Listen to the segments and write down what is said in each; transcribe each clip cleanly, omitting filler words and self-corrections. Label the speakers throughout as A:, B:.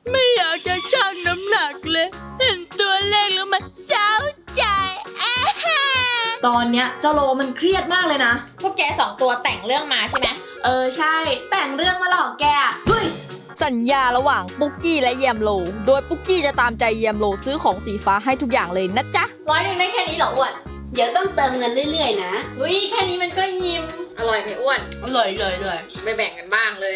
A: ไม่อยากจะชั่งน้ำหนักเลยเห็นตัวเลขแล้วมันเศร้าใจ
B: ตอนเนี้ยเจ้าโลมันเครียดมากเลยนะ
C: พวกแก2 ตัวแต่งเรื่องมาใช่ไหม
B: ใช่แต่งเรื่องมาหลอกแกเฮ้ย
D: สัญญาระหว่างปุ๊กกี้และแยมโลโดยปุ๊กกี้จะตามใจแยมโลซื้อของสีฟ้าให้ทุกอย่างเลยนะจ๊ะ
C: 100ได้แค่นี้เหรออ้วน
E: เดี๋ยวต้องเติมเงินเรื่อยๆนะ
C: อุ้ยแค่นี้มันก็ยิ้มอร่อยไหมอ้วน
A: อร่อยเลย
C: ไปแบ่งกันบ้างเลย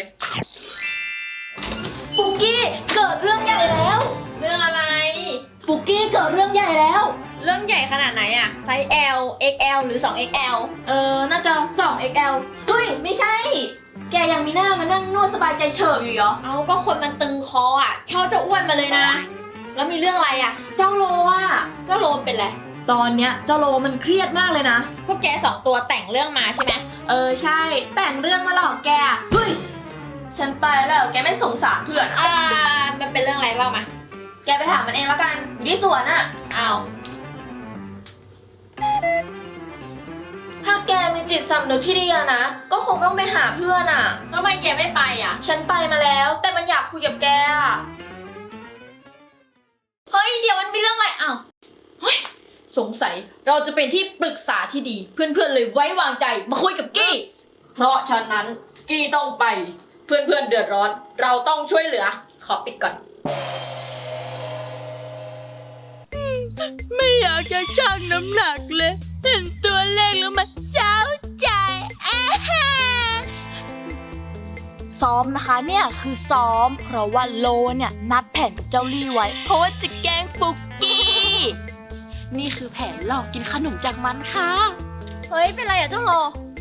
B: ปุ๊กกี้เกิดเรื่องใหญ่แล้ว
C: เรื่องอะไร
B: ปุ๊กกี้เกิดเรื่องใหญ่แล้ว
C: เรื่องใหญ่ขนาดไหนอะไซส์ L XL หรือ 2XL
B: น่าจะ 2XL เฮ้ยไม่ใช่แกยังมีหน้ามานั่งนวดสบายใจเฉิบอยู่เหรอ
C: เอาก็คนมันตึงคออะชอบจะอ้วนมาเลยนะแล้วมีเรื่องอะไรอะ
B: เจ้าโล
C: เจ้าโลมเป็นไร
B: ตอนเนี้ยเจ้าโลมันเครียดมากเลยนะ
C: พวกแก2 ตัวแต่งเรื่องมาใช่ไหม
B: ใช่แต่งเรื่องมาหลอกแกเฮ้ยฉันไปแล้วแกไม่สงสารเพื่อน
C: มันเป็นเรื่องอะไรเล่ามา
B: แกไปถามมันเองแล้วกันอยู่ที่สวนอะ
C: อ้าว
B: ถ้าแกมีจิตสำนึกที่ดีนะก็คงต้องไปหาเพื่อนอะ
C: ทำไมแกไม่ไปอะ
B: ฉันไปมาแล้วแต่มันอยากคุยกับแกอะ
C: เฮ้ยเดี๋ยวมันมีเรื่องอะไรอ้าวเฮ้ยสงสัยเราจะเป็นที่ปรึกษาที่ดีเพื่อนๆเลยไว้วางใจมาคุยกับกี้เพราะฉะนั้นกี้ต้องไปเพื่อนๆเดือดร้อนเราต้องช่วยเหลือขอปิดก่อน
A: ไม่อยากจะชั่งน้ำหนักเลยเห็นตัวเลขแล้วมันเศร้าใจซ้อมนะคะเนี่ยคือซ้อมเพราะว่าโลเนี่ยนัดแผนกับเจ้าลี่ไว้เพราะว่าจะแกล้งปุ๊กกี้นี่คือแผนหลอกกินขนมจากมันค่ะ
C: เฮ้ยเป็นไรอะเจ้าโล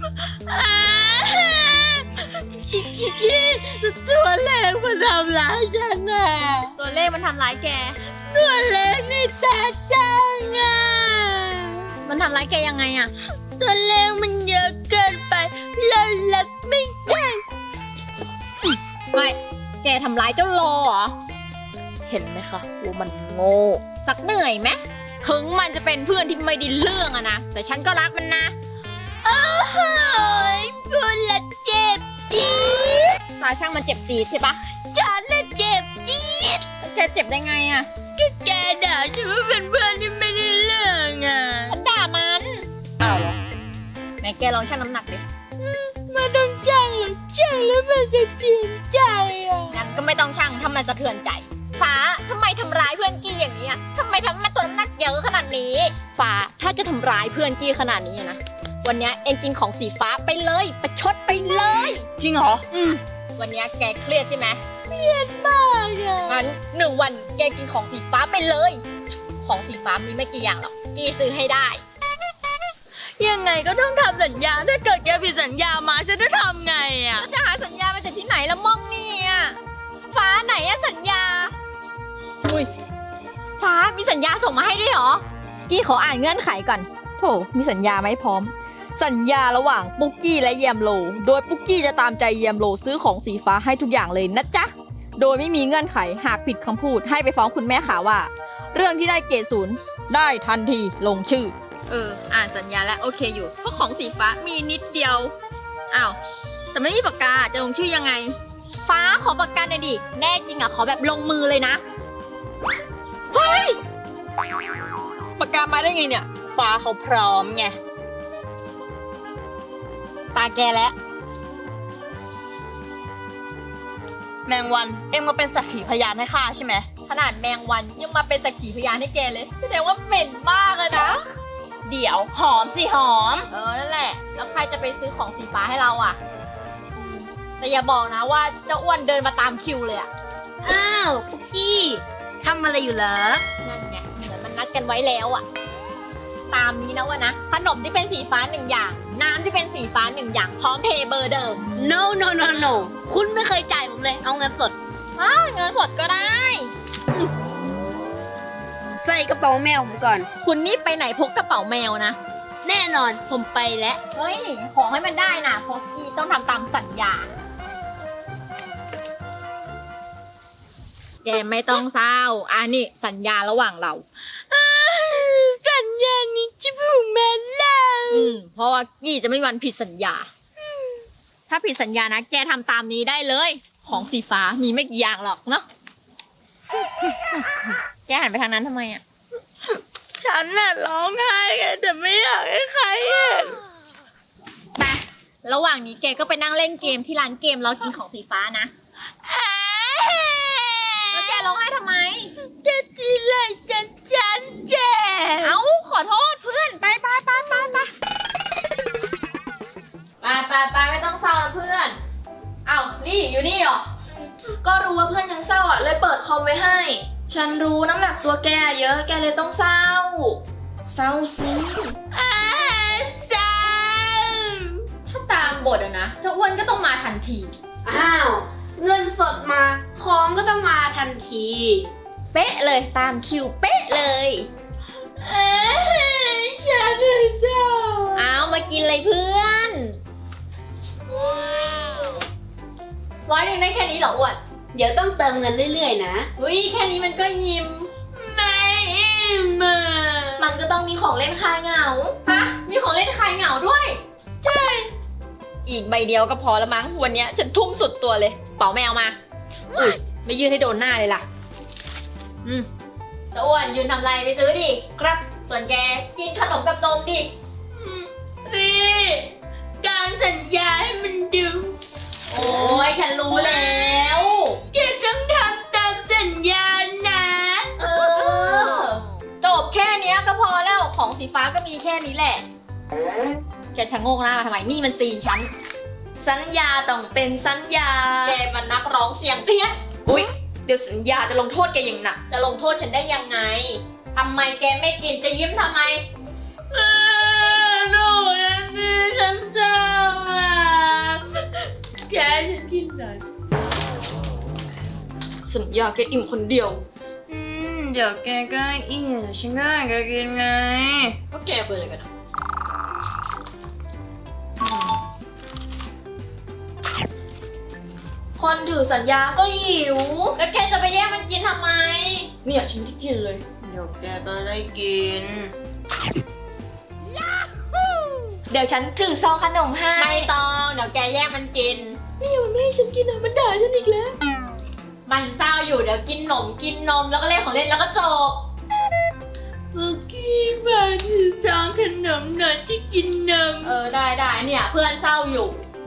A: กี้ตัวเลขมันทำร้ายฉันน่ะ
C: ตัวเลขมันทำร้ายแก
A: ตัวเลขนี่แตกจังอ่ะ
C: มันทำร้ายแกยังไงอะ
A: ตัวเลขมันเยอะเกินไปเรารับไม่ได้
C: ไม่แกทำร้ายเจ้าโลเหรอ
A: เห็นไหมคะว่ามันโง่
C: สักเหนื่อยไหมถึงมันจะเป็นเพื่อนที่ไม่ได้เรื่องอะนะแต่ฉันก็รักมันนะ
A: โอ้ยพูดละเจ็บจี๊ด
C: ช่างมันเจ็บจี๊ดใช่ปะ
A: ฉันน่ะเจ็บจี๊ด
C: แกเจ็บได้ไงอะ
A: ก็แกด่าฉันว่าเป็นเพื่อนที่ไม่ได้เรื่องอะ
C: ฉันด่ามันอ้าวไหนแกลองชั่งน้ำหนักดิ
A: มาต้องชั่งหรือชั่งแล้วมันจะเจือนใจอะ
C: งั้นก็ไม่ต้องชั่งถ้ามันสะเทือนใจฟ้าทำไมทำร้ายเพื่อนกี้อย่างนี้อะทำไมทำให้ตัวน้ำหนักเยอะขนาดนี้ฟ้าถ้าจะทำร้ายเพื่อนกี้ขนาดนี้นะวันนี้เอ็งกินของสีฟ้าไปเลยประชดไปเลย
A: จริงเหรอ
C: วันนี้แกเครียดใช่ไหม
A: เครียดมากอะ
C: งั้น1 วันแกกินของสีฟ้าไปเลยของสีฟ้ามีไม่กี่อย่างหรอกกี้ซื้อให้ได้
A: ยังไงก็ต้องทำสัญญาถ้าเกิดแกผิดสัญญามาฉันจะทำไงอะ
C: จะหาสัญญามาจากที่ไหนละม่องเนี่ยฟ้าไหนอะสัญญาอุ้ยฟ้ามีสัญญาส่งมาให้ด้วยเหรอกี้ขออ่านเงื่อนไขก่อน
D: โถมีสัญญาไหมพร้อมสัญญาระหว่างปุ๊กกี้และแยมโลโดยปุ๊กกี้จะตามใจแยมโลซื้อของสีฟ้าให้ทุกอย่างเลยนะจ๊ะโดยไม่มีเงื่อนไขหากผิดคำพูดให้ไปฟ้องคุณแม่ค่ะว่าเรื่องที่ได้เกรด0ได้ทันทีลงชื่อ
C: อ่านสัญญาแล้วโอเคอยู่เพราะของสีฟ้ามีนิดเดียวอ้าวแต่ไม่มีปากกาจะลงชื่อยังไงฟ้าขอปากกาหน่อยดิแน่จริงอะขอแบบลงมือเลยนะเฮ้ยปากกามาได้ไงเนี่ยฟ้าเขาพร้อมไงตาแกแล้ว
A: แมงวันเอ็มมาเป็นสักขีพยานให้ข้าใช่ไหม
C: ขนาดแมงวันยังมาเป็นสักขีพยานให้แกเลยแสดงว่าเหม็นมากเลยนะ
A: เดี๋ยวหอมสิหอม
C: นั่นแหละแล้วใครจะไปซื้อของสีฟ้าให้เราอ่ะแต่อย่าบอกนะว่าเจ้าอ้วนเดินมาตามคิวเลยอ่ะ
A: อ้าวปุ๊กกี้ทำอะไรอยู่เหรอ
C: นั่นไงเหมือนมันนัดกันไว้แล้วอ่ะตามนี้นะวะนะขนมที่เป็นสีฟ้า1 อย่างน้ำที่เป็นสีฟ้า1 อย่างพร้อมเพย์เบอร์เดิม
A: no คุณไม่เคยจ่ายผมเลยเอาเงินสด
C: เงินสดก็ได้
A: ใส่กระเป๋าแมวผมก่อน
C: คุณนี่ไปไหนพกกระเป๋าแมวนะ
A: แน่นอนผมไปแล้ว
C: เฮ้ยขอให้มันได้นะเพราะพี่ต้องทำตามสัญญาแกไม่ต้องเศร้านี่สัญญาระหว่างเรา
A: สัญญานี้จะผูกแม่แล้ว
C: เพราะว่ากี้จะไม่มีวันผิดสัญญาถ้าผิดสัญญานะแกทำตามนี้ได้เลยของสีฟ้ามีไม่กี่อย่างหรอกเนาะหันไปทางนั้นทำไมอะ
A: ฉันน่ะร้องไห้ไงแต่ไม่อยากให้ใครเห็น
C: ไประหว่างนี้แกก็ไปนั่งเล่นเกมที่ร้านเกมแล้วกินของสีฟ้านะ แล้วแกร้องไห้ทำไม
A: จะทีไรฉันเจ็บ
C: เอ้าขอโทษเพื่อนไปไปไม่ต้องเศร้านะเพื่อน เอ้าลี่อยู่นี่เหรอ
B: ก็รู้ว่าเพื่อนยังเศร้าอ่ะเลยเปิดคอมไว้ให้ ฉันรู้น้ำหนักตัวแกเยอะแกเลยต้องเศร้า เศร้าสิ
A: เศร้า
C: ถ้าตามบทอะนะเจ้าอ้วนก็ต้องมาทันที
E: อ้าว เงินสดมา ของก็ต้องมาทันที
C: เป๊ะเลยตามคิวเป๊ะเลย
A: ฉันเศร้า
C: เอามากินเลยเพื่อน100ได้แค่นี้เหรออ้วน
E: เดี๋ยวต้องเติมเงินเรื่อยๆนะ
C: อุ้ยแค่นี้มันก็ยิ้ม
A: ไม่อิ่มอะ
B: มันก็ต้องมีของเล่นคลายเหงา
C: ฮะมีของเล่นคลายเหงาด้วยใช่อีกใบเดียวก็พอละมั้งวันเนี้ยฉันทุ่มสุดตัวเลยเป๋าแมวมาอุ้ยไม่ยืนให้โดนหน้าเลยล่ะเจ้าอ้วนยืนทำไรไปซื้อดิครับส่วนแกกินขนมกับนมดิ
A: รีการสัญญาให้มันดู
C: โอ้ยฉันรู้แล้ว
A: แกต้องทำตามสัญญานะ
C: เออจบแค่เนี้ยก็พอแล้วของสีฟ้าก็มีแค่นี้แหละแกชะโงกหน้ามาทำไมนี่มันซีนฉัน
B: สัญญาต้องเป็นสัญญา
C: แกมันนักร้องเสียงเพี้ยน
B: อุ๊ย เดี๋ยวสัญญาจะลงโทษแกอย่างหนัก
C: จะลงโทษฉันได้ยังไงทำไมแกไม่กินจะยิ้มทำไม
A: หนูยังมีฉันเศร้าอ่ะแกฉันกินหน่อย
B: สัญญาแกอิ่มคนเดียว เดี๋ยวแกก็อิ่มเดี๋ยวฉันก็ให้แกกินไง
C: ก็แกเปิดเลยกันนะ
B: คนถือสัญญาก็หิว
C: แล้วแกจะไปแย่งมันกินทำไม
B: เนี่ยฉันไม่ได้กินเลย เดี๋ยวแกก็ได้กิน เดี๋ยวฉันถือซองขนมให้
C: ไม่ต้องเดี๋ยวแกแย่งมันกิน
B: นี่มันไม่ให้ฉันกินอ่ะมันด่าฉันอีกแล้ว
C: มันเศร้าอยู่เดี๋ยวกินนมแล้วก็เล่นของเล่นแล้วก็จบ
A: ปุกกี้มาถือซองขนมหน่อยที่กินนม
C: ได้เนี่ยเพื่อนเศร้าอยู่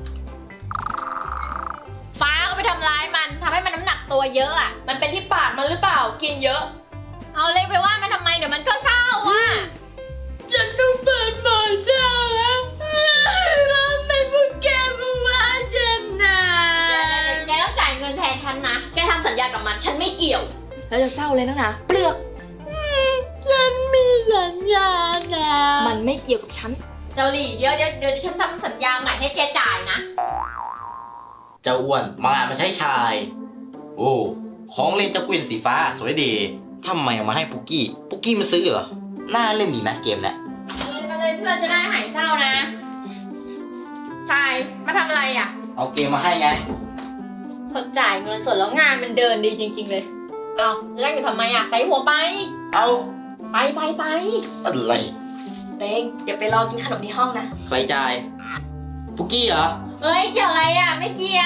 C: ฟ้าก็ไปทำร้ายมันทำให้มันน้ำหนักตัวเยอะอ่ะ
B: มันเป็นที่ปากมันหรือเปล่า กินเยอะ
C: เอาเลยไปว่ามันทำไมเดี๋ยวมันก็เศร้าอ่ะ
A: ฉันต้องเปิดหมอเจ้าแล้วแล้วทำไมพวกแกมาว่าฉันนะ
C: แกต้องจ่ายเงินแทนฉันนะ
B: แกทำสัญญากับมัน ฉันไม่เกี่ยว แล้วจะเศร้าเลยนะเปลือก
A: ฉันมีสัญญานะ
B: มันไม่เกี่ยวกับฉัน
C: เจ้าหลี่เดี๋ยวฉันทำสัญญาใหม่ให้แกจ่ายนะ
F: เจ้าอ้วนมางานมาใช้ชาย โอ้ของเล่นเจ้ากวินสีฟ้าสวยดีทำไมเอามาให้ปุกกี้ ปุกกี้มาซื้อเหรอ น่าเล่นดีนะเกมเนี้ย
C: มาเลยเพื่อนจะได้หายเศร้านะ ชายมาทำอะไรอ่ะ
F: เอาเกมมาให้ไง
C: คนจ่ายเงินสดแล้วงานมันเดินดีจริงๆเลย เอาจะนั่งอยู่ทำไมอ่ะใส่หัวไป
F: เอา
C: ไป
F: อะไร
B: เป้งเดี๋ยวไปรอกินขนมในห้องนะ
F: ใครจ่าย ปุกกี้เหรอ
C: เอ้ยเกี่ยวอะไรอ่ะ ไม่เกี่ยว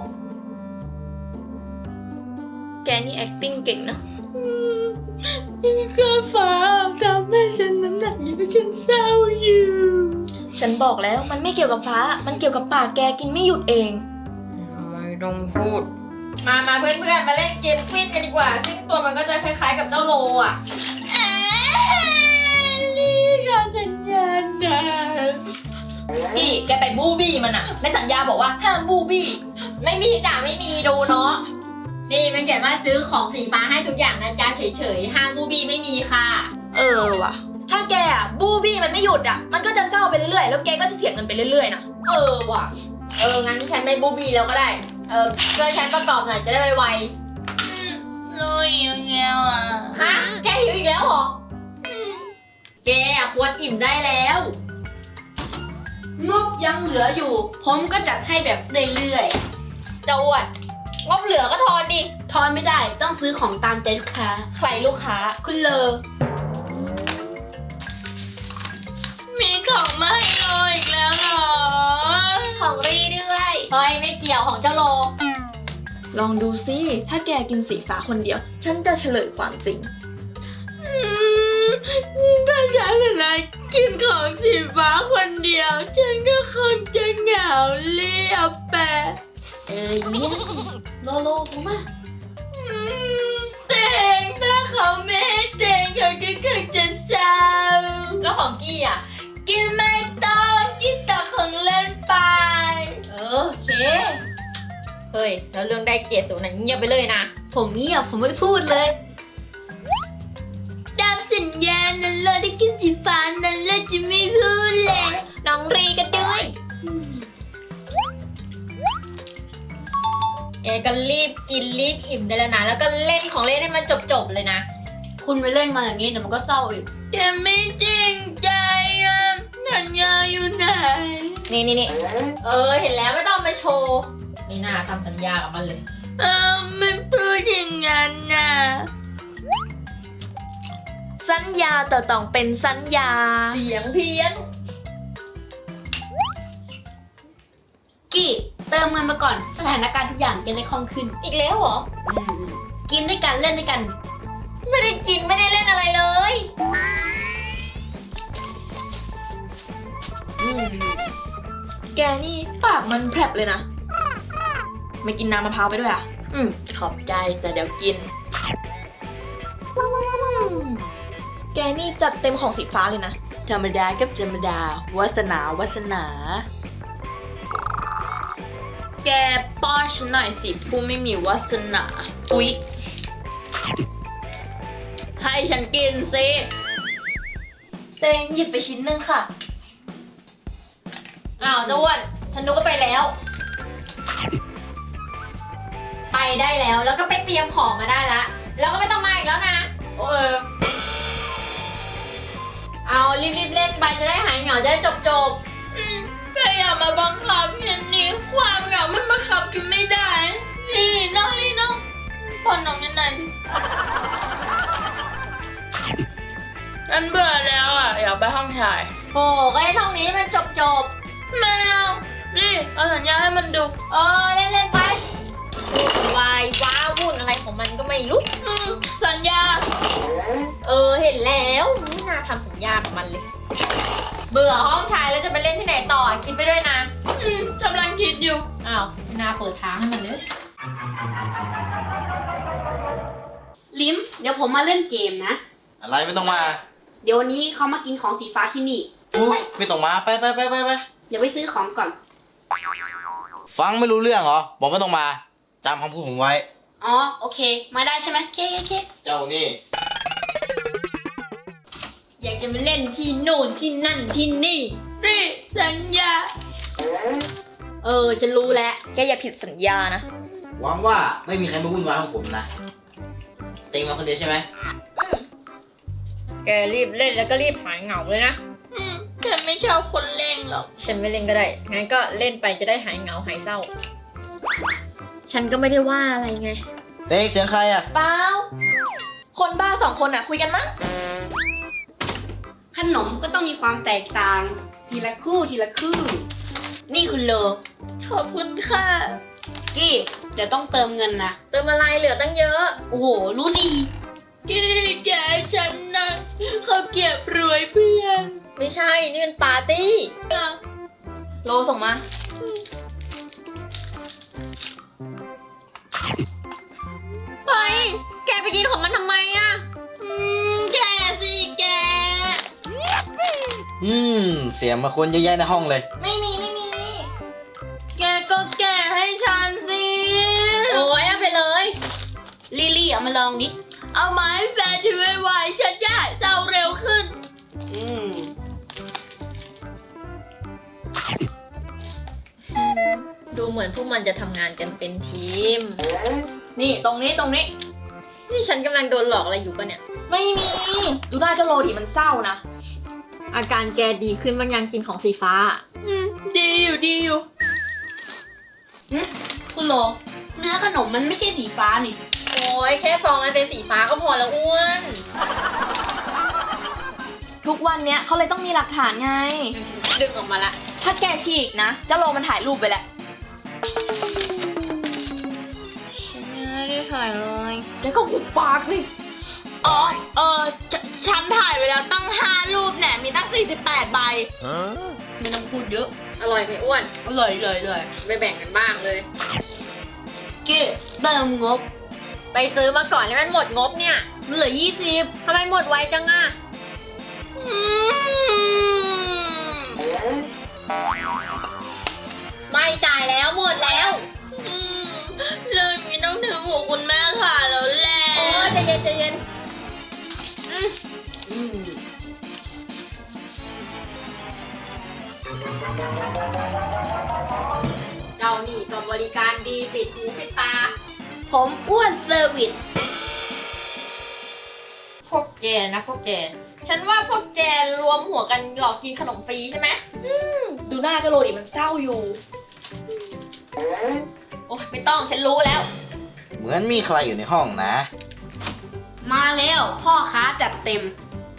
B: แกนี่ acting เก่งเนอะ
A: ก็ฟ้าทำให้ฉันน้ำหนักเยอะฉันเศร้าอยู่
B: ฉันบอกแล้วมันไม่เกี่ยวกับฟ้า มันเกี่ยวกับปากแกกินไม่หยุดเอง
A: ไม่ต้องพูด
C: มาเพื่อนๆมาเล่นเกมควินกันดีกว่า ซึ่งตัวมันก็จะคล้ายๆกับเจ้าโลอ่ะ
A: นี่การสัญญานะ
B: กี้แกไปบูบี้มันอะในสัญญาบอกว่าห้ามบูบี้
C: ไม่มีจ้ะไม่มีดูเนาะ นี่มันเขียนว่าซื้อของสีฟ้าให้ทุกอย่างนะจ๊ะเฉยๆห้ามบูบี้ไม่มีค่ะ
B: ว่ะ ถ้าแกอะบูบี้มันไม่หยุดอะมันก็จะเศร้าไปเรื่อยๆ แล้วแกก็จะเสียเงินไปเรื่อยๆนะ
C: ว่ะ งั้นฉันไม่บูบี้แล้วก็ได้ ช่วยฉันประกอบหน่อยจะได้ไว
A: ลุยยังไงอ่ะ
C: ๆฮะ แกหิวอีกแล้วเหรอ แกควรอิ่มได้แล้ว
E: งบยังเหลืออยู่ ผมก็จัดให้แบบเรื่อย
C: เจ้าอ้วนงบเหลือก็ทอนดิ
E: ๆ ทอนไม่ได้ต้องซื้อของตามใจลูกค้า
B: ใครลูกค้า
E: คุณเลอ
A: มีของมาให้โลอีกแล้วเหรอ
B: ของรีด้วย
C: เฮ้ยไม่เกี่ยวของเจ้าโล
B: ลองดูสิ ถ้าแกกินสีฟ้าคนเดียว ฉันจะเฉลยความจริง
A: ถ้าฉันนะกินของสีฟ้าคนเดียว ฉันก็คงจะเหงาเรียบแปะ
E: เยี่ยมโลโลผมมา
A: เต่งถ้าเขาไม่ให้เต่งเขาก็คงจะเศร้า
C: แล้วของกี้อ่ะ
A: กินไม่ต้องกินแต่ของเล่นไป
C: โอเค เฮ้ย แล้วเรื่องได้เกรดสูงนั้นเงียบไปเลยนะ
E: ผมเงียบผมไม่พูดเลย
A: ตามสัญญานั้นเราได้กินสีฟ้านั้นเราจะไม่พูดเลย
C: น้องรีกันด้วยเอก็รีบกินรีบอิ่มได้แล้วนะ แล้วก็เล่นของเล่นให้มันจบๆเลยนะ
E: คุณไปเล่นมาอย่างนี้เดี๋ยวมันก็เศร้าอีก
A: จะไม่จริงใจอ่ะสัญญาอยู่ไหน
C: นี่เห็นแล้วไม่ต้องมาโชว์ นี่น่าทำสัญญากับมันเลย
A: ไม่พูดอย่างนั้นน่ะ
B: สัญญาต่อต้องเป็นสัญญา
C: เสียงเพี้ยน
E: กี้เติมเงินมาก่อนสถานการณ์ทุกอย่างจะได้คล่องขึ้น
C: อีกแล้วเหรอ
E: กินด้วยกันเล่นด้วยกัน
C: ไม่ได้กินไม่ได้เล่นอะไรเลย
B: แกนี่ปากมันแผลบเลยนะ ไม่กินน้ำมะพร้าวไปด้วยอ่ะ ขอบใจแต่เดี๋ยวกิน แกนี่จัดเต็มของสีฟ้าเลยนะ
A: ธรรมดากับธรรมดาวาสนาวาสนา แกป้อนฉันหน่อยสิผู้ไม่มีวาสนา อุ๊ย ให้ฉันกินสิเตงหยิบไปชิ้นหนึ่งค่ะ
C: อ้าวเจ้าอ้วนฉันนึกว่าไปแล้ว ไปได้แล้วแล้วก็ไปเตรียมของมาได้ละแล้วก็ไม่ต้องมาอีกแล้วนะ
A: โอ้ย
C: เอารีบๆเล่นไปจะได้หายเหงาจะได้จบ
A: แกอย่ามาบังคับฉันนี่ความเหงามันบังคับกันไม่ได้ นี่น้องนี่น้องป้อนน้องยังไงฉันเบื่อแล้วอ่ะ อยากไปห้องถ่าย
C: ๆโอ้ก็ให้ท่องนี้มันจบ
A: ไม่เอานี่เอาสัญญาให้มันดู
C: เล่นๆไปวายว้าวุ่นอะไรของมันก็ไม่รู้
A: สัญญา
C: เห็นแล้วไม่น่าทำสัญญากับมันเลย เบื่อห้องชายแล้วจะไปเล่นที่ไหนต่อคิดไปด้วยนะ
A: กำลังคิดอยู่
C: อ้าวไม่น่าเปิดทางให้มันเลย
E: ลิมเดี๋ยวผมมาเล่นเกมนะ
F: อะไรไม่ต้องมา
E: เดี๋ยววันนี้เขามากินของสีฟ้าที่นี่
F: อุ้ยไม่ต้องมาไป
E: เดี๋ยวไปซื้อของก่อน
F: ฟังไม่รู้เรื่องเหรอ บอกไม่ต้องมาจำคำพูดผมไว้
E: อ๋อโอเค มาได้ใช่ไหมเค
F: เจ้านี่
C: อยากจะมาเล่นที่โน่นที่นั่นที่นี่
A: นี่สัญญา
C: ฉันรู้แล้ว
B: แกอย่าผิดสัญญานะ
F: หวังว่าไม่มีใครมาวุ่นวายของผมนะ เต็งมาคนเดียวใช่ไหม
C: แกรีบเล่นแล้วก็รีบหายเหงาเลยนะ
A: ฉันไม่ชอบคนเล่งหรอก
C: ฉันไม่เล่นก็ได้ งั้นก็เล่นไปจะได้หายเหงาหายเศร้า ฉันก็ไม่ได้ว่าอะไรไง
F: เต็งเสียงใครอ่ะ
B: เปล่า คนบ้าสองคนอ่ะคุยกันมั้ง
E: ขนมก็ต้องมีความแตกต่าง ทีละคู่ทีละคู่ นี่คุณโล
A: ขอบคุณค่ะ
E: กี้เดี๋ยวต้องเติมเงินนะ
C: เติมอะไรเหลือตั้งเยอะ
E: โอ้โห รู้ดี
A: กี้แกฉันนะเขาเก็บรวยเพื่อน
C: ไม่ใช่ นี่เป็นปาร์ตี้
A: นะ
B: โลส่งมา
C: เฮ้ย แกไปกินของมันทำไมอะ
A: แกสิแก
F: เสียงมาคนเยอะแยะในห้องเลย
B: ไม่มี
A: แกก็แกให้ฉันสิ
C: โอ้ยเอาไปเลย
E: ลิลี่เอามาลองดิ
A: เอามาให้แฟนฉันไวๆฉันจะหายเศร้าเร็วขึ้น
C: ดูเหมือนพวกมันจะทำงานกันเป็นทีม
B: นี่ตรงนี้
C: นี่ฉันกำลังโดนหลอกอะไรอยู่ปะเนี่ย
B: ไม่มี ดูหน้าเจ้าโลดิมันเศร้านะ
C: อาการแกดีขึ้นบางยังกินของสีฟ้า
A: ดีอยู่
E: คุณโล เนื้อขนมมันไม่ใช่สีฟ้านี่
C: โอ้ยแค่ฟองมันเป็นสีฟ้าก็พอแล้วอ้วน
B: ทุกวันเนี้ยเขาเลยต้องมีหลักฐานไง
C: ดึงออกมาละ
B: ถ้าแกฉีกนะเจ้าโลมันถ่ายรูปไปแหละ
A: ฉันไม่ได้ถ่ายเลย
B: แกก็หุบปากสิ
A: อ๋อ ฉันถ่ายไปแล้วตั้ง5 รูปแหนมีตั้ง48 ใบ ไม่ต้องพูดเยอะ
C: อร่อยไหมอ้วน
E: อร่อยเลยเลย
C: ไปแบ่งกันบ้างเลย
E: กี้เติมงบ
C: ไปซื้อมาก่อนแล้วมันหมดงบเนี่ย
E: เหลือ20
C: ทำไมหมดไวจังอะไม่จ่ายแล้วหมดแล้ว
A: เรื่องนี้ต้องถึงหัวคุณแม่ค่ะแล้วแหละ
C: โอ้ใจเย็นใจเย็นเจ้านี่ก็บริการดีปิดหูปิดตา
E: ผมอ้วนเซอร์วิส
C: พวกแกนะพวกแก ฉันว่าพวกแกรวมหัวกันหลอกกินขนมฟรีใช่ไหม
B: ดูหน้าเจ้าโลดิมันเศร้าอยู่
C: โอ้ยไม่ต้องฉันรู้แล้ว
F: เหมือนมีใครอยู่ในห้องนะ
E: มาแล้วพ่อค้าจัดเต็ม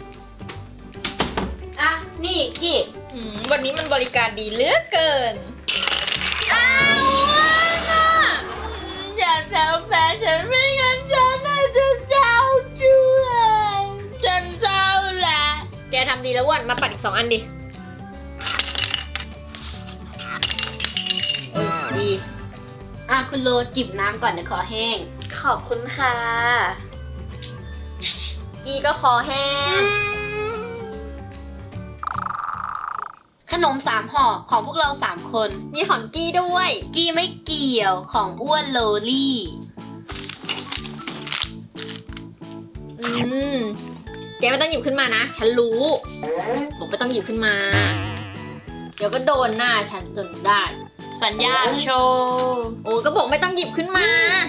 E: อ่ะ นี่กี้
C: วันนี้มันบริการดีเหลือเกิน
A: อย่าแซวแฟนฉันไม่งั้นฉันน่าจะเศร้าด้วยฉันเศร้าแหละ
C: แกทำดีแล้วอ้วนมาปัดอีก2 อันดิ
E: ดี อ่ะ คุณโลจิบน้ำก่อนเดี๋ยวคอแห้ง
A: ขอบคุณค่ะ
C: กีก็คอแห้ง
E: ขนม3 ห่อของพวกเรา3 คน
C: มีของกี้ด้วย
E: กี้ไม่เกี่ยวของอ้วนโลลี่
C: แกไม่ต้องหยิบขึ้นมานะ ฉันรู้ผมไม่ต้องหยิบขึ้นมา เดี๋ยวก็โดนหน้าฉันจนได้
A: สัญญาโชว์
C: โอ้ก็บอกไม่ต้องหยิบขึ้นมา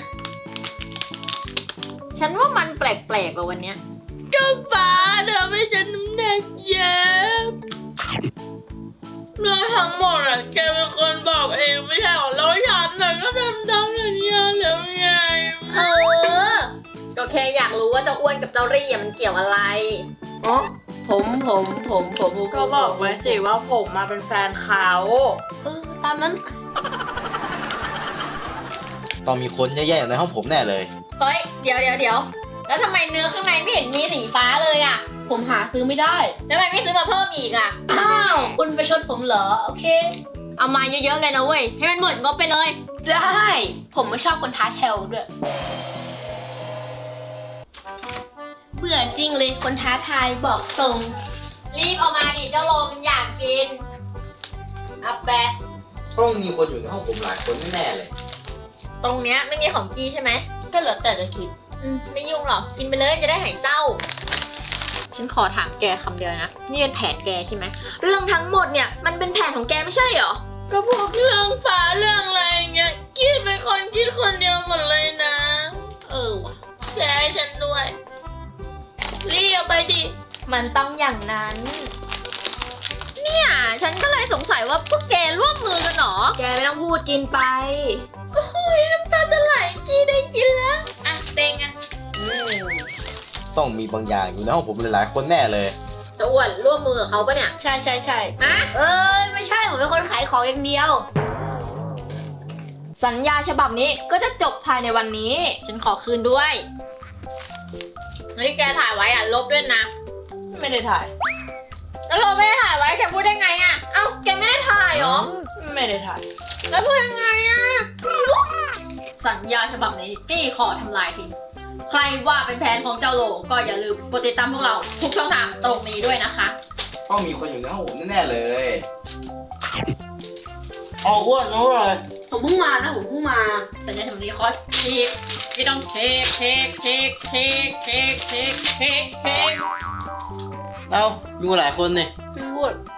C: ฉันว่ามันแปลกๆกว่าวันเนี้ย
A: ก็ฟ้าเธอไม่ฉันน้ำหนักเยอะเรื่องทั้งหมดอะแกเป็นคนบอกเองไม่ใช่หรอแล้วฉันน่ะก็ทำตามสัญญาแล้วไง
C: ก็แค่อยากรู้ว่าเจ้าอ้วนกับเจ้ารี่อะมันเกี่ยวอะไร
E: อ๋อ ผม
A: ก็บอกไว้สิว่าผมมาเป็นแฟนเขา
E: ตามนั้น
F: ต้องมีคนแย่ๆอยู่ในห้องผมแน่เลย
C: เฮ้ย เดี๋ยวแล้วทำไมเนื้อข้างในไม่เห็นมีสีฟ้าเลยอะ
E: ผมหาซื้อไม่ได้
C: แล้วทำไมไม่ซื้อมาเพิ่มอีกอะ
E: อ้าว คุณไปชดผมเหรอ โอเค
C: เอามาเยอะๆเลยนะเว้ย ให้มันหมดงบไปเลย
E: ได้ ผมไม่ชอบคนท้าแถวด้วย เบื่อจริงเลยคนท้าทายบอกตรง
C: รีบเอามาดิเจ้าโลมันอยากกิน
E: อับแปะ
F: ต้องมีคนอยู่ในห้องผมหลายคนแน่ๆเลย
C: ตรงเนี้ยไม่มีของกี้ใช่ไหม
A: ก็แล้วแต่จะคิด
C: ไม่ยุ่งหรอก กินไปเลยจะได้หายเศร้า ฉันขอถามแกคำเดียวนะ นี่เป็นแผนแกใช่ไหม
B: เรื่องทั้งหมดเนี่ยมันเป็นแผนของแกไม่ใช่เหรอ
A: ก็พวกเรื่องฟ้าเรื่องอะไรเงี้ยกี้เป็นคนคิดคนเดียวหมดเลยนะ
C: ว่ะ
A: แชร์ให้ฉันด้วยรีบเอาไปดิ
B: มันต้องอย่างนั้น
C: เนี่ยฉันก็เลยสงสัยว่าพวกแกร่วมมือกันเหรอ
B: แกไม่ต้องพูดกินไป โอ้ยน้ำตาจะไหลกี้ได้กินแล้ว
C: อ่ะเต็งอ่ะ
F: ต้องมีบางอย่างอยู่ในห้องผมหลายๆคนแน่เลย
C: จะอ้วนร่วมมือกับเขาปะเนี่ย
E: ใช่
C: อะ
E: เอ้ย ไม่ใช่ ผมเป็นคนขายของอย่างเดียว
B: สัญญาฉบับนี้ก็จะจบภายในวันนี้
C: ฉันขอคืนด้วยแล้วที่แกถ่ายไว้อ่ะลบด้วยนะ
A: ไม่ได้ถ่าย
C: แล้วเราไม่ได้ถ่ายไว้แกพูดได้ไงอ่ะ
B: เอ้า แกไม่ได้ถ่ายเหรอ
A: ไม่ได้ถ่าย
C: แล้วพูดยังไงอ่ะ สัญญาฉบับนี้กี้ขอทำลายทิ้ง ใครว่าเป็นแผนของเจ้าโลก็อย่าลืมกดติดตามพวกเราทุกช่องทางตรงนี้ด้วยนะคะ
F: ต้องมีคนอยู่ในห้องผมแน่ๆเลยอ๋ออ้วนนู้นเลย
E: ผมเพิ่งมานะ ผมเพิ่งมา
C: สัญญาฉบับนี้ขอเทคไม่ต้องเทค
F: เอ้าอยู่หลายคนนี่
A: พี่พูด